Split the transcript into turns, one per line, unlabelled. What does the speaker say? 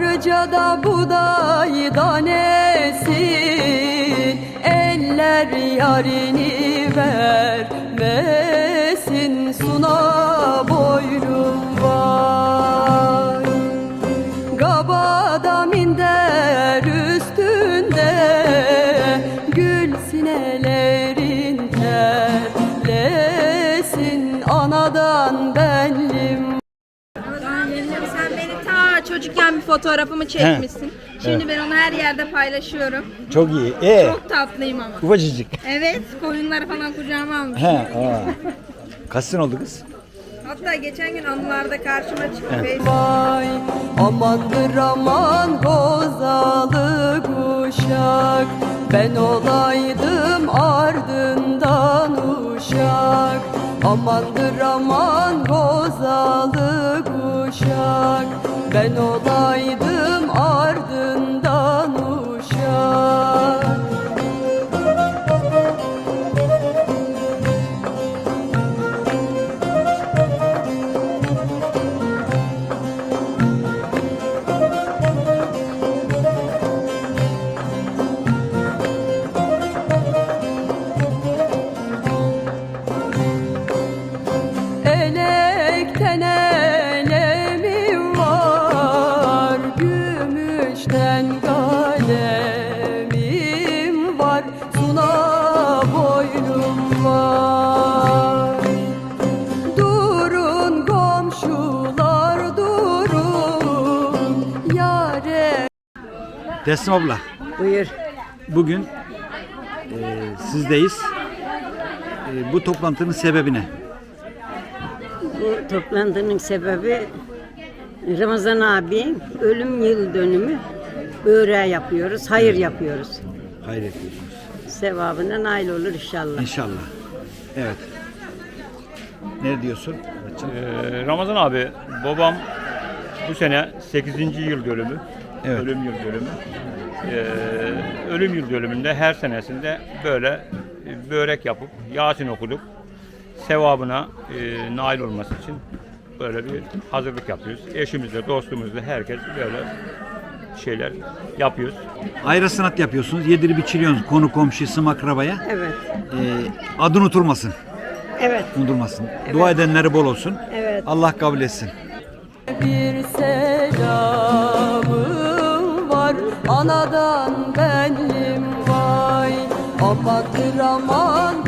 Karıcada buğday danesin, eller yarini vermesin, suna boylum var. Gabada minder üstünde, gül sinelerin terlesin, anadan benlim.
Sen beni ta çocukken bir fotoğrafımı çekmişsin. Şimdi ben onu her yerde paylaşıyorum.
Çok iyi.
Çok tatlıyım ama.
Ufacıcık.
Evet, koyunları falan kucağıma almışım.
Kaç sene oldu kız?
Hatta geçen gün anılarda karşıma çıktı.
Vay amandır aman gozalı kuşak, ben olaydım ardından uşak. Amandır aman gozalı kuşak, ben olaydım ardından uşak. Elekten elemim var, gümüşten kalemim var, suna boylum var. Durun komşular durun, yâre.
Teslim abla.
Buyur.
Bugün sizdeyiz. Bu toplantının sebebi ne?
Bu toplantının sebebi Ramazan abi ölüm yıl dönümü böreği yapıyoruz, hayır yapıyoruz.
Hayır yapıyorsunuz.
Sevabına nail olur inşallah.
İnşallah. Evet. Ne diyorsun?
Ramazan abi, babam bu sene 8. yıl dönümü,
Evet.
ölüm yıl dönümü. Ölüm yıl dönümünde her senesinde böyle börek yapıp Yasin okuduk. Sevabına nail olması için böyle bir hazırlık yapıyoruz. Eşimizle, dostumuzla herkes böyle şeyler yapıyoruz.
Ayrı sanat yapıyorsunuz. Yedirip içiriyorsunuz konu komşusu akrabaya.
Evet.
Adı unutulmasın.
Evet.
Unutulmasın. Dua edenleri bol olsun.
Evet.
Allah kabul etsin.
Bir selamım var, anadan benim vay. Amandır aman